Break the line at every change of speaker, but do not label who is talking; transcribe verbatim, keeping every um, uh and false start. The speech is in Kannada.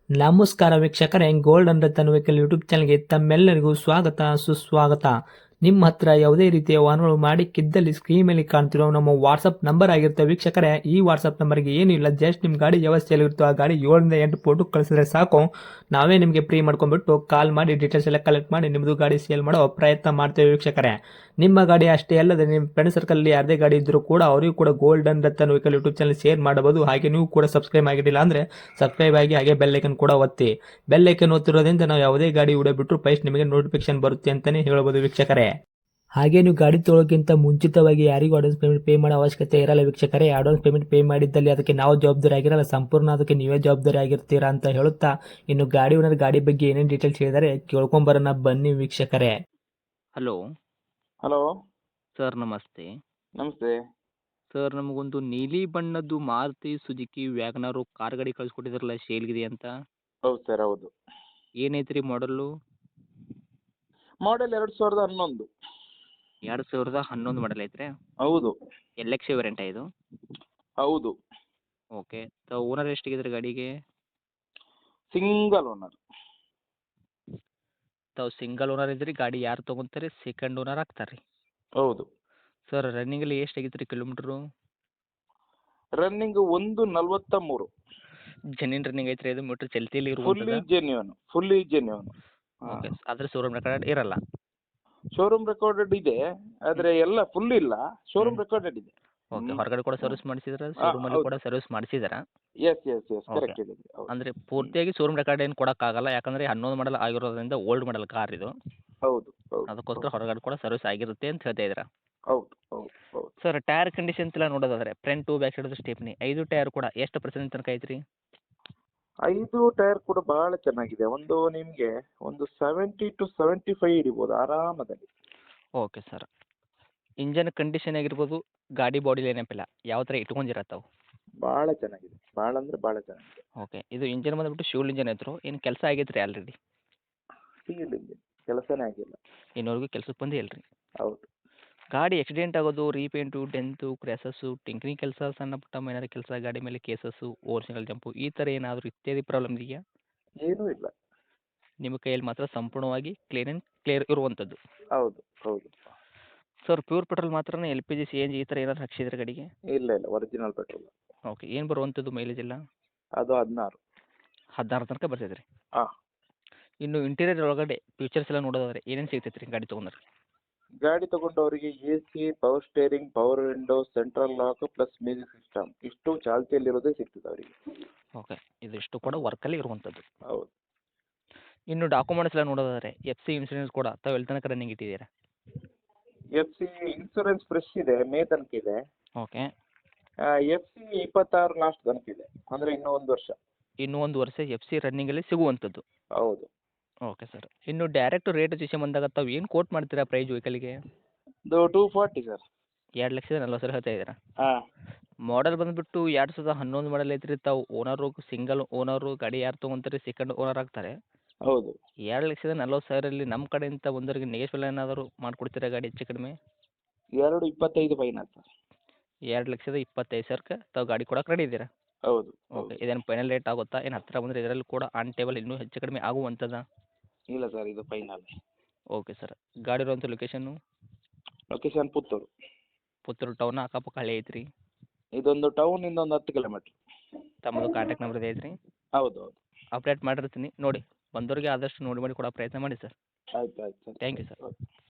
ನಮಸ್ಕಾರ ವೀಕ್ಷಕರೇ, gold and Ratan vehicle YouTube ಚಾನಲ್ಗೆ ತಮ್ಮೆಲ್ಲರಿಗೂ ಸ್ವಾಗತ ಸುಸ್ವಾಗತ. ನಿಮ್ಮ ಹತ್ರ ಯಾವುದೇ ರೀತಿಯ ವಾಹನಗಳು ಮಾಡಿಕ್ಕಿದ್ದಲ್ಲಿ ಸ್ಕ್ರೀನ್ ಮೇಲೆ ಕಾಣ್ತಿರೋ ನಮ್ಮ ವಾಟ್ಸಪ್ ನಂಬರ್ ಆಗಿರುತ್ತೆ ವೀಕ್ಷಕರೇ. ಈ ವಾಟ್ಸಪ್ ನಂಬರ್ಗೆ ಏನಿಲ್ಲ, ಜಸ್ಟ್ ನಿಮ್ಮ ಗಾಡಿ ವ್ಯವಸ್ಥೆಯಲ್ಲಿರುತ್ತೋ ಆ ಗಾಡಿ ಏಳರಿಂದ ಎಂಟು ಫೋಟೋ ಕಳಿಸಿದ್ರೆ ಸಾಕು, ನಾವೇ ನಿಮಗೆ ಫ್ರೀ ಮಾಡ್ಕೊಂಡ್ಬಿಟ್ಟು ಕಾಲ್ ಮಾಡಿ ಡೀಟೇಲ್ಸ್ ಎಲ್ಲ ಕಲೆಕ್ಟ್ ಮಾಡಿ ನಿಮ್ಮದು ಗಾಡಿ ಸೇಲ್ ಮಾಡೋ ಪ್ರಯತ್ನ ಮಾಡ್ತೇವೆ ವೀಕ್ಷಕರೇ. ನಿಮ್ಮ ಗಾಡಿ ಅಷ್ಟೇ ಅಲ್ಲದೆ ನಿಮ್ಮ ಫ್ರೆಂಡ್ ಸರ್ಕಲಲ್ಲಿ ಯಾರದೇ ಗಾಡಿ ಇದ್ದರೂ ಕೂಡ ಅವರಿಗೂ ಕೂಡ gold and Ratan vehicle YouTube channel share ಮಾಡಬಹುದು. ಹಾಗೆ ನೀವು ಕೂಡ ಸಬ್ಸ್ಕ್ರೈಬ್ ಆಗಿರಲಿಲ್ಲ ಅಂದರೆ ಸಬ್ಸ್ಕ್ರೈಬ್ ಆಗಿ ಹಾಗೆ ಬೆಲ್ ಐಕನ್ ಕೂಡ ಒತ್ತಿ. ಬೆಲ್ ಐಕನ್ ಒತ್ತಿರೋದ್ರಿಂದ ನಾವು ಯಾವುದೇ ಗಾಡಿ ವಿಡಿಯೋ ಬಿಟ್ಟರು ಫಸ್ಟ್ ನಿಮಗೆ ನೋಟಿಫಿಕೇಶನ್ ಬರುತ್ತೆ ಅಂತಲೇ ಹೇಳ್ಬೋದು ವೀಕ್ಷಕರೇ. ಹಾಗೆ ನೀವು ಗಾಡಿ ತೊಳೋಕ್ಕಿಂತ ಮುಂಚಿತವಾಗಿ ಯಾರಿಗೂ ಅಡ್ವಾನ್ಸ್ ಪೇಮೆಂಟ್ ಪೇ ಮಾಡೋ ಅವಶ್ಯಕತೆ ಇರಲ್ಲ ವೀಕ್ಷಕರೇ. ಅಡ್ವಾನ್ಸ್ ಪೇಮೆಂಟ್ ಪೇ ಮಾಡಿದ್ದಲ್ಲಿ ಅದಕ್ಕೆ ನಾವು ಜವಾಬ್ದಾರಿ ಆಗಿರಲ್ಲ, ಸಂಪೂರ್ಣ ಅದಕ್ಕೆ ನೀವೇ ಜವಾಬ್ದಾರಿ ಆಗಿರ್ತೀರಾ ಅಂತ ಹೇಳುತ್ತಾ, ಇನ್ನು ಗಾಡಿ ಓನರ್ ಗಾಡಿ ಬಗ್ಗೆ ಏನೇನು ಡೀಟೇಲ್ಸ್ ಹೇಳಿದರೆ ಕೇಳ್ಕೊಂಬರೋಣ ಬನ್ನಿ ವೀಕ್ಷಕರೇ.
ಹಲೋ
ಹಲೋ
ಸರ್, ನಮಸ್ತೆ.
ನಮಸ್ತೆ.
ಸರ್, ನಮಗೊಂದು ನೀಲಿ ಬಣ್ಣದ್ದು ಮಾರುತಿ ಸುಜುಕಿ ವ್ಯಾಗನಾರು ಕಾರ್ ಗಾಡಿ ಕಳಿಸ್ಕೊಟ್ಟಿದ್ರಲ್ಲ, ಸೇಲ್ಗಿದೆ ಅಂತ.
ಹೌದು ಸರ್, ಹೌದು.
ಏನೈತ್ರಿ ಮಾಡಲ್ಲು?
ಮಾಡೆಲ್ ಎರಡು ಸಾವಿರದ ಹನ್ನೊಂದು.
ಎರಡು ಸಾವಿರದ ಹನ್ನೊಂದು ಮಾಡಲ್ ಐತ್ರಿ?
ಹೌದು.
ಎಲ್ ಎಕ್ಸ್ ವೇರಿಯಂಟ ಇದು?
ಹೌದು.
ಓಕೆ. ತಾವು ಓನರ್ ಎಷ್ಟಿಗಿದ್ರಿ ಗಾಡಿಗೆ?
Single owner.
ತಾವು ಸಿಂಗಲ್ ಓನರ್ ಇದ್ರಿ, ಗಾಡಿ ಯಾರು ತೊಗೊಂತಾರೆ ಸೆಕೆಂಡ್ ಓನರ್ ಆಗ್ತಾರೆ ರೀ?
ಹೌದು.
ಸರ್, ರನ್ನಿಂಗಲ್ಲಿ ಎಷ್ಟು ಆಗಿತ್ತು ರೀ ಕಿಲೋಮೀಟ್ರು?
ರನ್ನಿಂಗ್ ಒಂದು ನಲ್ವತ್ತ ಮೂರು.
ಜೆನ್ಯೂನ್ ರನ್ನಿಂಗ್ ಐತ್ರಿ ಇದು? ಮೀಟ್ರ್ ಚಲ್ತಿಯಲ್ಲಿ
ಫುಲ್ಲಿ
ಇರುವಂಥದ್ದು?
Genuine fully genuine.
ಓಕೆ. ಆದರೆ ಶೋರೂಮ್ ರೆಕಾರ್ಡ್ ಇರಲ್ಲ?
ಶೋರೂಮ್ ರೆಕಾರ್ಡೆಡ್ ಇದೆ, ಆದ್ರೆ ಎಲ್ಲ ಫುಲ್ ಇಲ್ಲ, ಶೋರೂಮ್ ರೆಕಾರ್ಡೆಡ್ ಇದೆ.
ಓಕೆ. ಹೊರಗಡೆ ಕೂಡ ಸರ್ವಿಸ್ ಮಾಡಿಸಿದ್ರ, ಶೋರೂಮಲ್ಲಿ
ಹೌದು.
ಕೂಡ ಸರ್ವಿಸ್ ಮಾಡಿಸಿದಾರಾ?
ಎಸ್ ಎಸ್ ಎಸ್ ಕರೆಕ್ಟ್ ಇದೆ. ಹೌದು.
ಅಂದರೆ ಪೂರ್ತಿಯಾಗಿ ಶೋರೂಮ್ ರೆಕಾರ್ಡ್ ಏನು ಕೊಡೋಕ್ಕಾಗಲ್ಲ, ಯಾಕಂದರೆ ಹನ್ನೊಂದು ಮಾಡಲ್ ಆಗಿರೋದ್ರಿಂದ ಓಲ್ಡ್ ಮಾಡಲ್ ಕಾರ್ ಇದು.
ಹೌದು. ಹೌದು.
ಅದಕ್ಕೋಸ್ಕರ ಹೊರಗಡೆ ಕೂಡ ಸರ್ವಿಸ್ ಆಗಿರುತ್ತೆ ಅಂತ ಹೇಳ್ತಾ ಇದ್ದೀರಾ?
ಹೌದು. ಹೌದು. ಹೌದು.
ಸರ್, ಟೈರ್ ಕಂಡೀಷನ್ಸ್ ಎಲ್ಲ ನೋಡೋದಾದ್ರೆ ಫ್ರಂಟು ಬ್ಯಾಕ್ ಸೈಡ್ ಸ್ಟೇಪ್ನಿ ಐದು ಟೈರ್ ಕೂಡ ಎಷ್ಟು ಪರ್ಸೆಂಟ್ ತನಕ ಐತ್ರಿ?
ಐದು ಟೈರ್ ಕೂಡ ಬಹಳ ಚೆನ್ನಾಗಿದೆ. ಒಂದು ನಿಮ್ಗೆ ಒಂದು ಸೆವೆಂಟಿ ಟು ಸೆವೆಂಟಿ ಫೈವ್ ಹಿಡಿಬೋದು ಆರಾಮದಲ್ಲಿ.
Okay sir. ಇಂಜನ್ ಕಂಡೀಷನ್ ಆಗಿರ್ಬೋದು, ಗಾಡಿ ಬಾಡಿ ಏನಪ್ಪಿಲ್ಲ, ಯಾವ ಥರ ಇಟ್ಕೊಂಡಿರತ್ತಾವು?
ಬಹಳ ಚೆನ್ನಾಗಿದೆ, ಬಹಳ ಅಂದ್ರೆ ಬಹಳ ಚೆನ್ನಾಗಿದೆ.
ಓಕೆ. ಇದು ಇಂಜನ್ ಬಂದ್ಬಿಟ್ಟು ಶಿವಲ್ ಇಂಜನ್ ಐತ್ರು, ಏನು ಕೆಲಸ ಆಗೈತ್ರಿ ಆಲ್ರೆಡಿ?
ಸಿಂಗಲ್ ಇಂಜಿನ್, ಕೆಲಸನೇ ಆಗಿಲ್ಲ.
ಇನ್ನೂವರೆಗೂ ಕೆಲಸಕ್ಕೆ ಬಂದೇ ಇಲ್ರಿ?
ಹೌದು.
ಗಾಡಿ ಆಕ್ಸಿಡೆಂಟ್ ಆಗೋದು, ರೀಪೇಂಟು, ಡೆಂತು, ಕ್ರ್ಯಾಸಸ್ಸು, ಟಿಂಕ್ರಿಂಗ್ ಕೆಲಸ, ಸಣ್ಣ ಪುಟ್ಟ ಮೈನರ್ ಕೆಲಸ, ಗಾಡಿ ಮೇಲೆ ಕೇಸಸ್ಸು, ಓವರ್ ಸಿಂಗಲ್ ಜಂಪು, ಈ ಥರ ಏನಾದರೂ ಇತ್ಯಾದಿ ಪ್ರಾಬ್ಲಮ್ ಇದೆಯಾ?
ಏನೂ ಇಲ್ಲ.
ನಿಮ್ಮ ಕೈಯಲ್ಲಿ ಮಾತ್ರ ಸಂಪೂರ್ಣವಾಗಿ ಕ್ಲೀನ್ ಆ್ಯಂಡ್ ಕ್ಲಿಯರ್ ಇರುವಂಥದ್ದು?
ಹೌದು. ಹೌದು.
ಸರ್, ಪ್ಯೂರ್ ಪೆಟ್ರೋಲ್ ಮಾತ್ರನೇ L P G C N G ಈ ಥರ ಏನಾದ್ರು ಹಾಕ್ಸಿದ್ರೆ ಗಾಡಿಗೆ?
ಇಲ್ಲ ಇಲ್ಲ, ಒರಿಜಿನಲ್ ಪೆಟ್ರೋಲ್.
ಓಕೆ. ಏನು ಬರುವಂಥದ್ದು ಮೈಲೇಜ್ ಎಲ್ಲ?
ಅದು ಹದಿನಾರು.
ಹದಿನಾರು ತನಕ ಬರ್ತೈತೆ ರೀ?
ಹಾಂ.
ಇನ್ನು ಇಂಟೀರಿಯರ್ ಒಳಗಡೆ ಫೀಚರ್ಸ್ ಎಲ್ಲ ನೋಡೋದಾದ್ರೆ ಏನೇನು ಸಿಗ್ತೈತೆ ರೀ ಗಾಡಿ ತೊಗೊಂಡ್ರೆ?
ಗಾಡಿ ತಗೊಂಡವರಿಗೆ A C, power steering, power window, central lock plus music system ಇಷ್ಟು ಚಾಲ್ತಿಯಲ್ಲಿರೋದೇ ಸಿಗ್ತದೆ ಅವರಿಗೆ.
ಓಕೆ. ಇದಿಷ್ಟು ಕೂಡ ವರ್ಕಲ್ಲಿ ಇರುವಂಥದ್ದು?
ಹೌದು.
ಇನ್ನು ಡಾಕ್ಯುಮೆಂಟ್ಸ್ ಎಲ್ಲ ನೋಡೋದಾದ್ರೆ ಎಫ್ ಸಿ ಇನ್ಸೂರೆನ್ಸ್ ಕೂಡ ತಾವು ಎಲ್ಲಿ ತನಕ ರನ್ನಿಂಗ್ ಇಟ್ಟಿದ್ದೀರಾ?
ಎಫ್ ಸಿ ಇನ್ಸೂರೆನ್ಸ್ ಫ್ರೆಶ್ ಇದೆ, ಮೇ ತನಕ ಇದೆ.
ಓಕೆ.
ಎಫ್ ಸಿ ಇಪ್ಪತ್ತಾರು ಲಾಸ್ಟ್ ತನಕ ಇದೆ, ಅಂದರೆ ಇನ್ನೂ ಒಂದು ವರ್ಷ.
ಇನ್ನೂ ಒಂದು ವರ್ಷ ಎಫ್ ಸಿ ರನ್ನಿಂಗಲ್ಲಿ ಸಿಗುವಂಥದ್ದು?
ಹೌದು.
Okay sir. ಇನ್ನು ಡೈರೆಕ್ಟ್ ರೇಟ್ ವಿಷಯ ಬಂದಾಗ ತಾವು ಏನು ಕೋಟ್ ಮಾಡ್ತೀರಾ ಪ್ರೈಸ್ ವೆಹಿಕಲ್ಗೆ?
ಇದು ಟೂ ಫಾರ್ಟಿ ಸರ್.
ಎರಡು ಲಕ್ಷದ ನಲ್ವತ್ತು ಸಾವಿರ ಹೇಳ್ತಾ ಇದ್ದೀರಾ?
ಹಾಂ.
ಮಾಡೆಲ್ ಬಂದುಬಿಟ್ಟು ಎರಡು ಸಾವಿರದ ಹನ್ನೊಂದು ಮಾಡಲ್ ಐತ್ರಿ. ತಾವು ಓನರು ಸಿಂಗಲ್ ಓನರು, ಗಾಡಿ ಯಾರು ತೊಗೊಂತಾರೆ ಸೆಕೆಂಡ್ ಓನರ್ ಆಗ್ತಾರೆ.
ಹೌದು.
ಎರಡು ಲಕ್ಷದ ನಲ್ವತ್ತು ಸಾವಿರಲ್ಲಿ ನಮ್ಮ ಕಡೆಯಿಂದ ಒಂದರಿಗೆ ನೆಗೆಶ್ವಲ್ ಏನಾದರೂ ಮಾಡಿಕೊಡ್ತೀರಾ ಗಾಡಿ ಹೆಚ್ಚು ಕಡಿಮೆ?
ಎರಡು ಇಪ್ಪತ್ತೈದು ಫೈನಲ್ ಸರ್.
ಎರಡು ಲಕ್ಷದ ಇಪ್ಪತ್ತೈದು ಸಾವಿರಕ್ಕೆ ತಾವು ಗಾಡಿ ಕೊಡೋಕೆ ರೆಡಿ ಇದ್ದೀರಾ?
ಹೌದು.
ಓಕೆ. ಇದೇನು ಫೈನಲ್ ರೇಟ್ ಆಗುತ್ತಾ, ಏನು ಹತ್ತಿರ ಬಂದರೆ ಇದರಲ್ಲಿ ಕೂಡ ಆನ್ ಟೇಬಲ್ ಇನ್ನೂ ಹೆಚ್ಚು ಕಡಿಮೆ ಆಗುವಂಥದ್ದಾ?
ಇಲ್ಲ ಸರ್, ಇದು ಫೈನಲ್.
Okay sir. ಗಾಡಿ ಇರುವಂಥ ಲೊಕೇಶನ್ನು?
ಲೊಕೇಶನ್ ಪುತ್ತೂರು.
ಪುತ್ತೂರು ಟೌನ್ ಅಕ್ಕಪಕ್ಕ ಹಳ್ಳಿ ಐತ್ರಿ?
ಇದೊಂದು ಟೌನ್ ಇಂದ ಒಂದು ಹತ್ತು ಕಿಲೋಮೀಟ್ರ್.
ತಮ್ಮದು ಕಾಂಟ್ಯಾಕ್ಟ್ ನಂಬರ್ ಇದೆ ಐತ್ರಿ?
ಹೌದು. ಹೌದು.
ಅಪ್ಡೇಟ್ ಮಾಡಿರ್ತೀನಿ ನೋಡಿ, ಬಂದವರಿಗೆ ಆದಷ್ಟು ನೋಡಿ ಮಾಡಿ ಕೊಡೋ ಪ್ರಯತ್ನ ಮಾಡಿ ಸರ್.
ಆಯ್ತು ಆಯ್ತು sir.
Thank you sir.
Okay.